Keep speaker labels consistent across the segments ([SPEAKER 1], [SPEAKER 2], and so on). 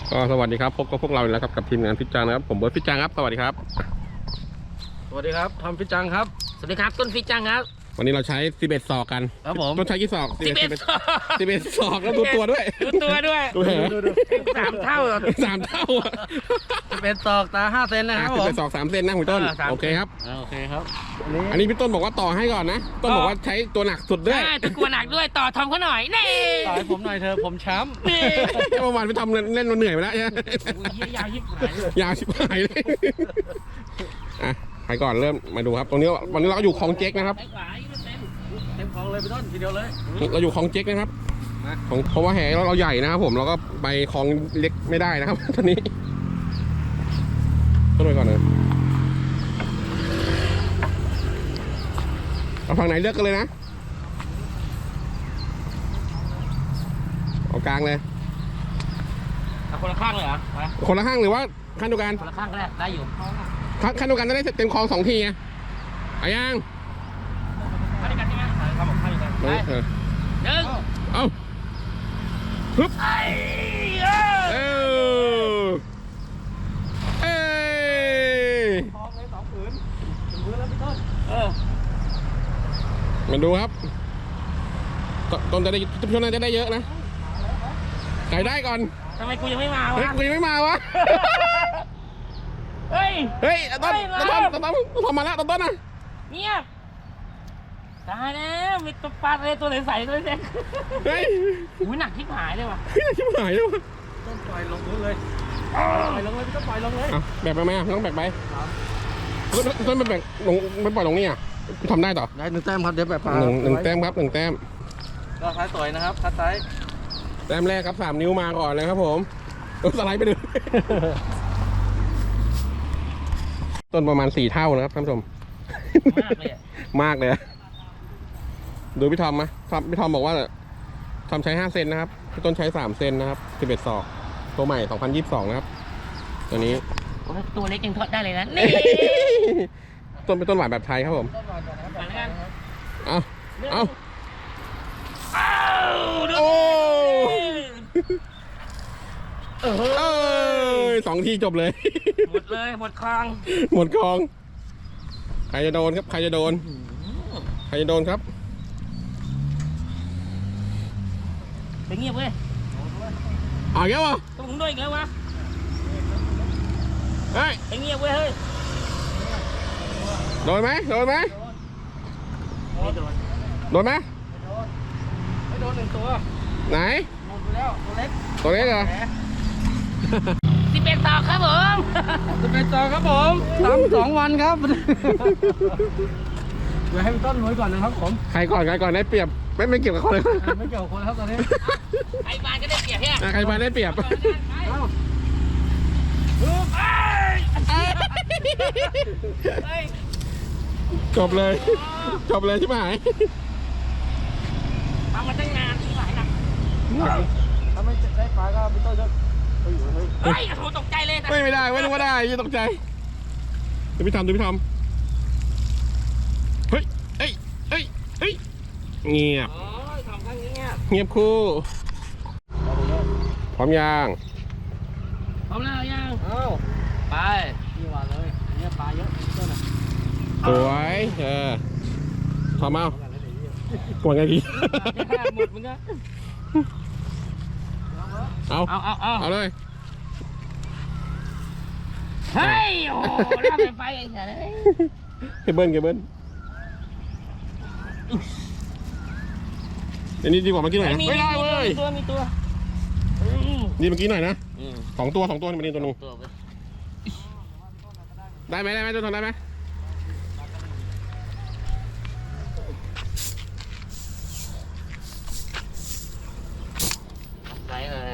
[SPEAKER 1] ก็สวัสดีครับพบกับพวกเราอีกแล้วครับกับทีมงานฟิตจังนะครับผมเบิร์ดฟิตจังครับสวัสดีครับ
[SPEAKER 2] สวัสดีครับทอมฟิตจังครับ
[SPEAKER 3] สวัสดีครับต้นฟิตจังครับ
[SPEAKER 1] วันนี้เราใช้11 ศอกกัน
[SPEAKER 2] ครับผม
[SPEAKER 1] ต้นใช้กี่ศอก11 ศอกแล้วดูตัวด้วย
[SPEAKER 3] ดูตัวด้วย
[SPEAKER 1] ดูเหรอ
[SPEAKER 3] 3 เท่า
[SPEAKER 1] 3 เท่า
[SPEAKER 2] เป็นศอกตา5 เซนนะครับผม
[SPEAKER 1] 11 ศอก3 เซนนะคุณต้นโอเคครับ
[SPEAKER 2] โอเคครับ
[SPEAKER 1] อันนี้พี่ต้นบอกว่าต่อให้ก่อนนะต้นบอกว่าใช้ตัวหนักสุดด้วย
[SPEAKER 3] ตัวกลัวหนักด้วยต่อทอมเขาหน่อยนี่
[SPEAKER 2] ต่อให้ผมหน่อยเธอผมช้ำ
[SPEAKER 3] นี่
[SPEAKER 1] เมื่อวานไปทำเล่นเราเหนื่อยไปแล้วใช่ไหม
[SPEAKER 3] ยาวชิบหายเลย
[SPEAKER 1] ยาวชิบหายเลยอ่ะไปก่อนเริ่มมาดูครับตรงนี้วันนี้เราอยู่คลองเจ๊กนะครับ
[SPEAKER 2] เต็มคลองเลยพี่ต้นทีเดียวเลย
[SPEAKER 1] เราอยู่คลองเจ๊กนะครับเพราะว่าแหเราใหญ่นะครับผมเราก็ไปคลองเล็กไม่ได้นะครับตอนนี้ต้นไปก่อนเลยเอาฝั่งไหนเลือกกันเลยนะเอากลางเลย
[SPEAKER 3] คนละข้างเลยเหรอ
[SPEAKER 1] คนละข้างหรือว่าข้างเดียวกัน
[SPEAKER 3] คนละข้างก็ได้อยู่
[SPEAKER 1] ข้างเดียวกันจะได้เต็มคลอง2 ทีไงอายัง
[SPEAKER 3] ข้างเดียวกันใช่ไหมครับผมข้างเดียวกัน1
[SPEAKER 1] เอาฮึบมาดูครับต้นจะได้ช่วงนั้นจะได้เยอะนะใครได้ก่อน
[SPEAKER 3] ทำไมกูยังไม่มาวะ
[SPEAKER 1] กูยังไม่มาวะเฮ้ยต้นทำมาแล้วต้นนะ
[SPEAKER 3] เงียบตายแล้วมีตัวปลาเลยตัวใสๆตัวเล็ก
[SPEAKER 1] เฮ้ย
[SPEAKER 3] อุ้ยหนักชิบหายเลยว่ะ
[SPEAKER 1] ชิบหายเลยว่ะ
[SPEAKER 2] ต้นปล่อยลงเลยปล่อยลงเลยพี่ต้นปล่อยลงเลย
[SPEAKER 1] แบกไปไหมต้องแบกไปต้นมันแบกลงไม่ปล่อยลงนี่อ่ะทำได้ต่อ
[SPEAKER 2] ได้1 แต้มครับเดี๋ยวแบบปลา
[SPEAKER 1] 1 แต้มครับ1 แต้ม
[SPEAKER 2] ก็ท้ายสวยนะครับคัดซ้าย
[SPEAKER 1] แต้มแรกครับ3 นิ้วมาก่อนเลยครับผมสไลด์ไปเลยต้นประมาณ4 เท่านะครับท่านผู้ชมมากเลยดูพี่ทอมไหมพี่ทอมบอกว่าทอมใช้5 เซนนะครับพี่ต้นใช้3 เซนนะครับ11 ศอกตัวใหม่2022นะครับตัวนี้
[SPEAKER 3] ตัวเล็กยังทอดได้เลยนะนี่
[SPEAKER 1] ต้นเป็นต้นหวานแบบไทยครับผมเอาโอ้2 ทีจบเลย
[SPEAKER 3] หมดเลยหมดคลอง
[SPEAKER 1] ใครจะโดนครับใครจะโดนครับ
[SPEAKER 3] ไปเงียบเว้ย
[SPEAKER 1] อีกแล้ววะ
[SPEAKER 3] ต้องมึงด้วยอีกแล้ววะ
[SPEAKER 1] เฮ้ย
[SPEAKER 3] ไปเงียบเว้ยเฮ้ย
[SPEAKER 1] โดนไหม
[SPEAKER 3] ไม่โดน
[SPEAKER 1] ไหม
[SPEAKER 2] ไม่โดน1 ตัว
[SPEAKER 1] ไหน
[SPEAKER 2] หมดไปแล้ว
[SPEAKER 1] ตัวเล็กเหรอ
[SPEAKER 3] 11 ศอกครับผม
[SPEAKER 2] 11 ศอกครับผมทำ2 วันครับเดี๋ยวให้พี่ต้นลุยก่อนนะครับผม
[SPEAKER 1] ใครก่อนได้เปรียบไม่เกี่ยวกับคนเลย
[SPEAKER 2] ไม่เกี่ยวกับคนครับตอนนี้
[SPEAKER 3] ใครบานก็ได้เปรียบเนี่ย
[SPEAKER 1] ใครบานได้เปรียบจบเลยใช่ไหม
[SPEAKER 3] ทำมาตั้งนานที่หลายนัก
[SPEAKER 2] ถ้าไม่ได้ปลาก็พี่ต้นจะ
[SPEAKER 3] เฮ้ยโหตกใจเลย
[SPEAKER 1] ไม่ได้ไม่รู้ว่าได้ยังตกใจดูพี่ทำเฮ้ยเงียบเงียบคู่พร้อมยัง
[SPEAKER 3] พร้อมแล้วยัง
[SPEAKER 2] ไปนี่หวานเลยเนี่ยปลาเยอะต้นอ่ะ
[SPEAKER 1] สวยพร้อมเอากวนไงพี่
[SPEAKER 3] หมดมึงก็
[SPEAKER 1] เอาเลย
[SPEAKER 3] เฮ้ยโอ้ล่าไฟไอ้เหี้ยเลย
[SPEAKER 1] เบิ้ลเดี๋ยวนี้ดีกว่าเมื่อกี้หน่อยไม่ได้เว้ย
[SPEAKER 3] มีตัว
[SPEAKER 1] ดีเมื่อกี้หน่อยนะ2 ตัวนี่มันนี่ตัวนึงได้ไหมตัวทนได้ไหม
[SPEAKER 3] ได้เลย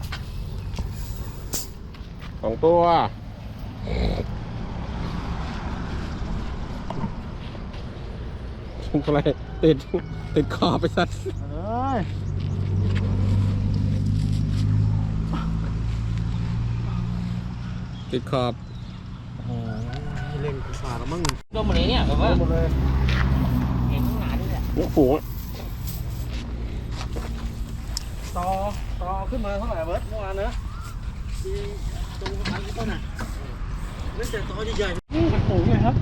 [SPEAKER 1] 2 ตัวอะไรติดคอไปสัตว์ติดขอบ
[SPEAKER 2] เล่นปลาแล้วมั้ง
[SPEAKER 3] โดนหมดเลยเนี่ยแบบว่า
[SPEAKER 2] หมดเลย
[SPEAKER 3] เห็นข้างหน้าด้วยเนี่ย
[SPEAKER 1] ฝูง
[SPEAKER 2] ต่อขึ้นมาเท่าไหร่เบิร์ดเมื่อวานเนอะตรงทางพี่ต้นอ่ะไม่แต่ตัวใหญ่ๆมันสูงเลยครับ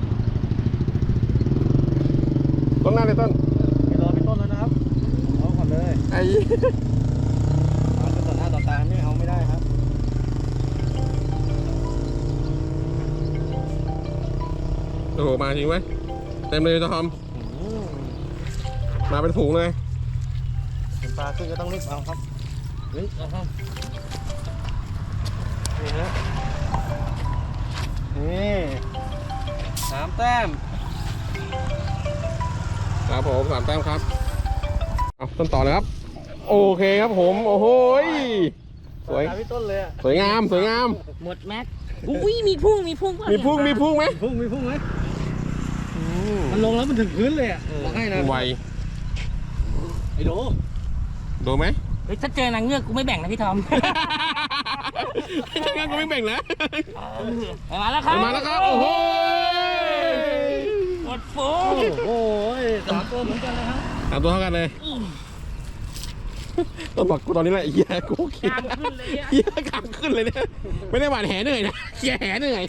[SPEAKER 1] ต้นหน้าเลยต้น
[SPEAKER 2] ไปรอพี่ต้นแล้วนะครับรอก่อนเลย
[SPEAKER 1] ไอ้
[SPEAKER 2] มาเป็นต่อหน้าต่อตาไม่เอาไม่ได้ครับ
[SPEAKER 1] โอ้โหมาจริงไหมเต็มเลยทอมมาเป็นฝูงเลย
[SPEAKER 2] เห็นปลาขึ้นก็ต้องรีบเอาครับเฮ้ยเอาครับนี่ฮะนี่3 แต้ม
[SPEAKER 1] ครับผม3 แต้มครับเอาต้นต่อเลยครับโอเคครับผมโอ้โหสวย
[SPEAKER 2] ตาพี่ต้นเลยอะ
[SPEAKER 1] สวยงามสวยงาม
[SPEAKER 3] หมดแม็กอุ้ยมีพุ่งป่ะ
[SPEAKER 1] มีพุ่งไหม
[SPEAKER 2] มีพุ่งไหมมันลงแล้วมันถึงพื้นเลยอ่ะบอกให้นะ
[SPEAKER 1] ไว
[SPEAKER 2] ไอ้โด
[SPEAKER 1] ดูไหม
[SPEAKER 3] เฮ้ยถ้าเจอนางเงือกกูไม่แบ่งนะพี่ทอม
[SPEAKER 1] ถ้างั้นก็ไม่แบ่งแล้ว
[SPEAKER 3] มาแล้วครับ
[SPEAKER 1] มาแล้วครับโอ้โห
[SPEAKER 3] หมดฟู
[SPEAKER 2] โอ้ย3 ตัวเหมือนกันนะครับ
[SPEAKER 1] ตามตัวเท่ากันเลยต้นบอกกูตอนนี้แหละเฮียกูเขีย
[SPEAKER 3] กามขึ้นเลยอะ
[SPEAKER 1] เฮียกามขึ้นเลยเนี่ยไม่ได้หวานแหเหนื่อยนะเฮียแหเหนื่อย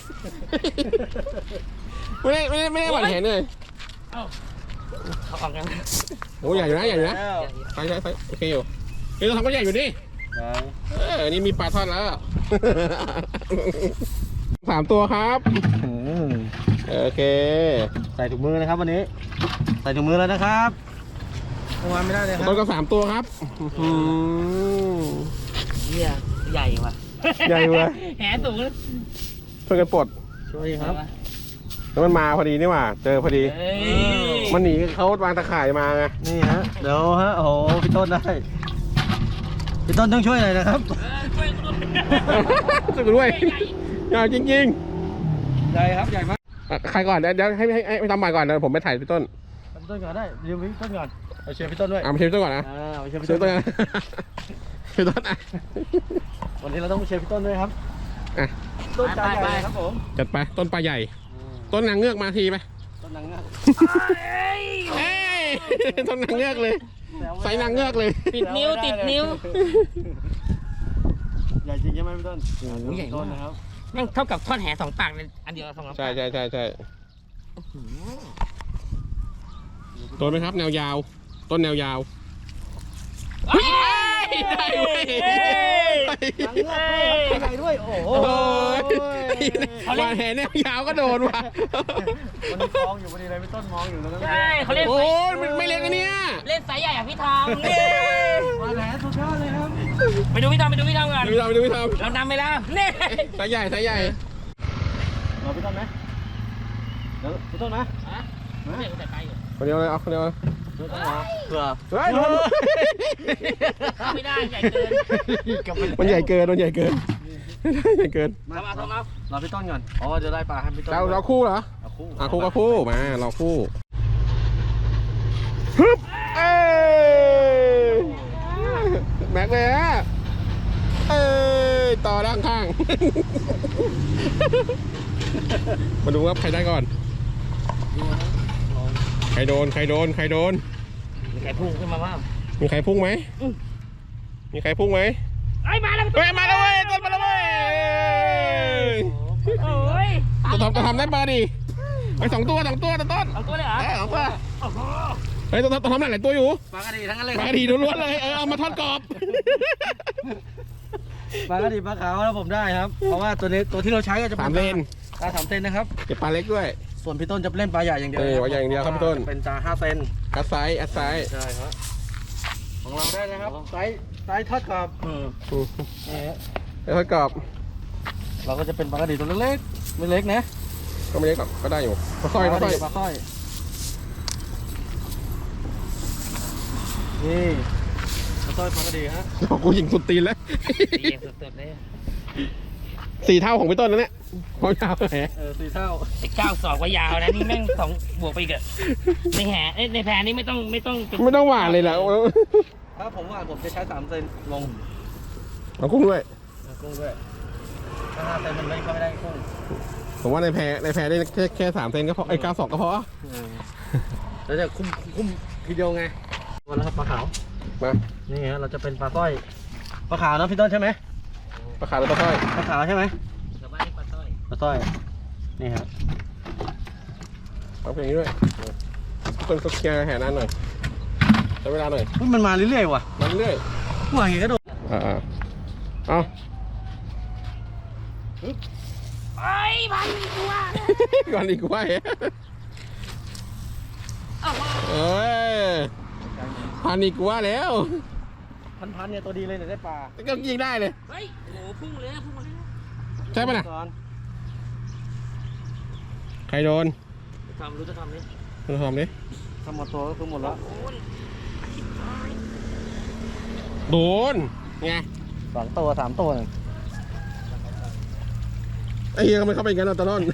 [SPEAKER 1] ไม่ได้หวานแหเหนื่อย
[SPEAKER 3] เอาออกกัน
[SPEAKER 1] โอ้ใหญ่อยู่นะใหญ่อยู่นะใส่โอเคอยู่นี่เราทำก็ใหญ่อยู่นี่นี่มีปลาทอดแล้ว 3 ตัวครับโอเค
[SPEAKER 2] ใส่ถุงมือนะครับวันนี้ ใส่ถุงมือแล้วนะครับเมื่อวานไม่ได้เลยครับ
[SPEAKER 1] ต้นก็3 ตัวครับ
[SPEAKER 3] เหี้ยใหญ่ว่ะ
[SPEAKER 1] ใหญ่เว้ย
[SPEAKER 3] แหสูงเลย
[SPEAKER 1] ช่วยกันปลด
[SPEAKER 2] ช่วยครับ
[SPEAKER 1] แล้วมันมาพอดีนี่หว่าเจอพอดี
[SPEAKER 3] เฮ้ย
[SPEAKER 1] มันหนีเขาวางตะข่ายมาไง
[SPEAKER 2] นี่ฮะเดี๋ยวฮะโอ้โหพี่ต้นได้พี่ต้นต้องช่วยหน่อยนะครับ
[SPEAKER 3] ช่วยกูด้วย
[SPEAKER 1] สุดด้วยใหญ่จริง
[SPEAKER 2] ใหญ่ครับใหญ่มาก
[SPEAKER 1] ๆใครก่อนเดี๋ยวให้ทำใหม่ก่อนเดี๋ยวผมไปถ่ายพี่ต้น
[SPEAKER 2] พี่ต้นก่อนได้ยืมพี่ต้นก่อนเอาเชียร์พี่ต้นด้วย
[SPEAKER 1] เอาไปเชียร์พี่ต้นก่อนนะ
[SPEAKER 2] เอาเชียร์พี่
[SPEAKER 1] เชีย
[SPEAKER 2] ต้
[SPEAKER 1] ร์
[SPEAKER 2] น
[SPEAKER 1] พี่ต้นนะพี่ต้นอ่ะ
[SPEAKER 2] วันนี้เราต้องเชียร์พี่ต้นด้วยครับ
[SPEAKER 1] อ่ะ
[SPEAKER 2] ต้นจานใหญ่ครับผม
[SPEAKER 1] จัดไปต้นปลาใหญ่ ต้นนางเงือกมาทีไป
[SPEAKER 2] ต้นนางเงือก
[SPEAKER 1] เอ้ยต้นนางเงือกเลยใส่นางเงือกเลย
[SPEAKER 3] ติดนิ้วติดนิ้ว
[SPEAKER 2] ใหญ่จริงใช่ไหมพี่ต้น
[SPEAKER 3] โอ้โหใหญ่มาก
[SPEAKER 2] ต้นนะครับ
[SPEAKER 3] แม่งเท่ากับทอดแห2 ปากเลยอันเดียว2 ปาก
[SPEAKER 1] ใช่ต้นไหมครับแนวยาว ต้นแนวยาว
[SPEAKER 3] เฮ้ย
[SPEAKER 1] ได้เว้ย
[SPEAKER 2] นางเงือกด้วยใหญ่ด้วยโอ้โห
[SPEAKER 1] โอ้ยวานแหแนวยาวก็โดนว่ะ
[SPEAKER 2] วันนี้มองอยู่พอดีเลยพี่ต้นมองอยู่แล้วก็
[SPEAKER 3] ใช่เขาเล่น
[SPEAKER 1] โอ้ยไม่เล็กนะเนี่ย
[SPEAKER 3] เล่นสายใหญ่อะพี่ทอม
[SPEAKER 2] มาแหลสุดยอดเลยครับ
[SPEAKER 3] ไปดูพี่ทอมก่อน
[SPEAKER 1] ดูพี่ทำ
[SPEAKER 3] เรานำไปแล้วนี่
[SPEAKER 1] สายใหญ่
[SPEAKER 2] รอพี่ต้นไหมเดี๋ยวพี่ต้นนะ
[SPEAKER 3] ฮะเดี๋ยวแต่ไปอยู่
[SPEAKER 1] คนเดียวเลยเอาคนเดียวเลย
[SPEAKER 2] พี่ต้นมาเผื่อ
[SPEAKER 1] เฮ้ย
[SPEAKER 3] เข้าไม่ได้ใหญ่เกิน
[SPEAKER 1] มันใหญ่เกินใหญ่เกิน
[SPEAKER 3] ทำเอา
[SPEAKER 2] รอพี่ต้นก่อนอ๋อจะได้ปลาให้พี่ต้น
[SPEAKER 1] เราคู่เหรอ
[SPEAKER 2] เอาคู่
[SPEAKER 1] คู่กับคู่มาเราคู่ฮึบเอ้ยแม็กเลยฮะเอ้ยต่อด้านข้างมาดูว่าใครได้ก่อนใครโดน
[SPEAKER 3] มีใครพุ่งขึ้นมาบ้าง
[SPEAKER 1] มีใครพุ่งไหม
[SPEAKER 3] ไอ้มาแล้ว
[SPEAKER 1] เฮ้ยมาแล้วเว้ยต้นมาแล้วเว้ย
[SPEAKER 3] โอ้ย
[SPEAKER 1] จะทำได้ปลาดิไป2 ตัวต้น
[SPEAKER 3] เอาตัวเลยเหรอ
[SPEAKER 1] 2 ตัวเฮ้ยต้องทำหลายตัวอยู่
[SPEAKER 2] ปลากระดีทั้งนั้นเลย
[SPEAKER 1] ปลาดีล้วนๆเลยเอามาทอดกรอบ
[SPEAKER 2] ปลากระดีปลาขาวแล้วผมได้ครับ เพราะว่าตัวนี้ตัวที่เราใช้ก็จะเป็น
[SPEAKER 1] 3 เลน
[SPEAKER 2] ปลา3 เซนนะครับ
[SPEAKER 1] เก็บปลาเล็กด้วย
[SPEAKER 2] ส่วนพี่ต้นจะเล่นปลาใหญ่อย่างเดียว
[SPEAKER 1] ปลาใหญ่อย่างเดียวครับพี่ต้น
[SPEAKER 2] จะเป็นปลา5 เซน
[SPEAKER 1] อัดไซส์
[SPEAKER 2] ใช่ครับของเราได้นะครับไซส์ทอดกรอบนี่ฮะ
[SPEAKER 1] ทอดกรอบ
[SPEAKER 2] เราก็จะเป็นปลากระดีตัวเล็กๆไม่เล็กนะ
[SPEAKER 1] ก็ไม่เล็กหรอกก็ได้อยู่ปลาสร้อย
[SPEAKER 2] ปลาสร้อยนี่ปลาสร้อยปลากระดีฮะ
[SPEAKER 1] กูยิงสุดตีนแล้ว
[SPEAKER 3] ดีสุดๆเลย
[SPEAKER 1] 4 เท่าของพี่ต้นนั่นแหละความยาวแห
[SPEAKER 2] 4 เท่า
[SPEAKER 3] ไอ้9 ศอกว่ายาวนะนี่แม่ง2 บวกไปอีกอะในแหในแพนี่ไม่ต้อง
[SPEAKER 1] ไม่ต้องหวานเลยแหละ
[SPEAKER 2] ถ้าผมว่าผมจะใช้3 เซนลง
[SPEAKER 1] เอากุ้งด้วย
[SPEAKER 2] กุ้งด้วยถ้า5 เซนมันไม่เข้าไม่ได้กุ้ง
[SPEAKER 1] ผมว่าในแพได้แค่3 เซนก็พอ9 ศอกก็พอ
[SPEAKER 2] แล้วจะคุ้มทีเดียวไงวันแล้วครับปลาขาว
[SPEAKER 1] มา
[SPEAKER 2] นี่ฮะเราจะเป็นปลาสร้อยปลาขาวนะพี่ต้นใช่ไหม
[SPEAKER 1] ปลาขาวหรือปลาสร้อย
[SPEAKER 2] ปลาขาวใช่ไหม
[SPEAKER 3] ชาวบ้านเรียกปลาสร้อย
[SPEAKER 2] ปลาสร้อยนี่ครับ
[SPEAKER 1] เอาเพลงนี้ด้วยต้นก็เคลียร์แห่นานหน่อยใช้เวลาหน่อย
[SPEAKER 2] อุ๊ยมันมาเรื่อยๆว่ะ
[SPEAKER 1] มาเรื่อย
[SPEAKER 2] หัวเห็นกระโดด
[SPEAKER 1] เอา
[SPEAKER 3] ไอ้พันตัว
[SPEAKER 1] ก่อนดีกว่าเอ้ยพันอีกว่าแล้ว
[SPEAKER 2] พันเนี่ยตัวดีเลยเนี่ยได้ปลา
[SPEAKER 1] ก็ยิงได้เลย
[SPEAKER 3] เฮ้ยโอ้พุ่งเลยนะพุ่งมาเลยนะ
[SPEAKER 1] ใช่ปะน่ะ
[SPEAKER 2] ก่อน
[SPEAKER 1] ใครโดน
[SPEAKER 3] ทำรู้จะทำนี่
[SPEAKER 1] คุณทอมดิ
[SPEAKER 2] ทำหมดตัวก็คือหมดแล้ว
[SPEAKER 3] โอ้ย
[SPEAKER 1] โดนไง
[SPEAKER 2] 2 ตัว 3 ตัวหนึ่ง
[SPEAKER 1] ไอ้เหี้ยมันเข้าไปอย่างนั้นตะล่อน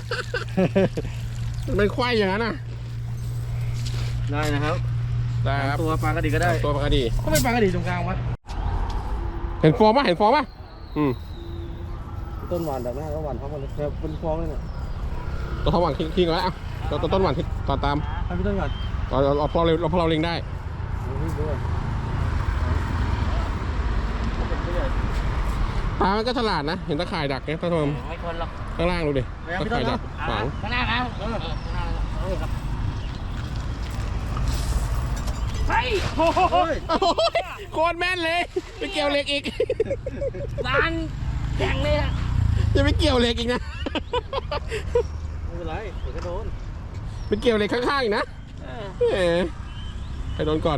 [SPEAKER 1] มันเป็นควายอย่างนั้นน่ะ
[SPEAKER 2] ได้นะครับ
[SPEAKER 1] ได้ครับ
[SPEAKER 2] ตัวปลากระดีก็ได้
[SPEAKER 1] ตัวปลากระดี
[SPEAKER 2] ก็ไม่ปลากระดีตรงกลางวะ
[SPEAKER 1] เห็นฟอร์มป่ะเห็นฟอร์มป่ะ
[SPEAKER 2] ต้นหวานแบบนั้นก็หวานพร้อมกันเลยแบบเป็นฟองเลยเนี่ย
[SPEAKER 1] ตัวทอมหวานทิ้งไว้อ่ะตัวต้นหวานทิ้งต่อตาม
[SPEAKER 2] ให้พี่ต้นก่อน
[SPEAKER 1] เราพอเราเล็งได้
[SPEAKER 2] ดูพี่ด้วย
[SPEAKER 1] ปลามันก็ฉลาดนะ เห็นตะข่ายดักเนี่ยท่านผู้ชม
[SPEAKER 3] ไม่คนหรอก
[SPEAKER 1] ข้างล่างดูดิตะข่ายดักขวาง
[SPEAKER 3] ข้างหน้านะข้างหน้าครับเฮ้ยโอ้โห
[SPEAKER 2] โอ้ย
[SPEAKER 1] โอ้ยโคตรแม่นเลยไปเกี่ยวเหล็กอีก
[SPEAKER 3] ร้านแข่งเลยอะ
[SPEAKER 1] จะไปเกี่ยวเหล็กอีกนะ
[SPEAKER 2] ไม่เป็นไรเดี๋ยวก็โดน
[SPEAKER 1] ไปเกี่ยวเหล็กข้างๆอีกนะไปโดนก่อน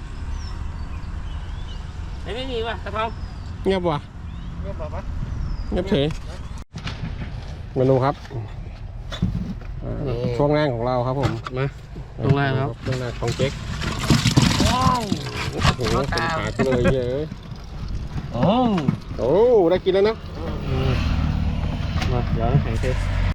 [SPEAKER 3] ไม่มีว่ะตะทอง
[SPEAKER 1] เงียบว่ะ
[SPEAKER 2] เงียบแบบปะ
[SPEAKER 1] เงียบเฉยเมนูครับช่วงแรกของเราครับผม
[SPEAKER 2] มาตรงแรกครับ
[SPEAKER 1] ช่วงแรกของเจ๊ก
[SPEAKER 3] ว้าว
[SPEAKER 1] โอ้โหเป็นขากูเลยเยอะ
[SPEAKER 2] โอ้
[SPEAKER 1] โอ้ได้กินแล้วนะ
[SPEAKER 2] มาเดี๋ยวน้ำแข็งเท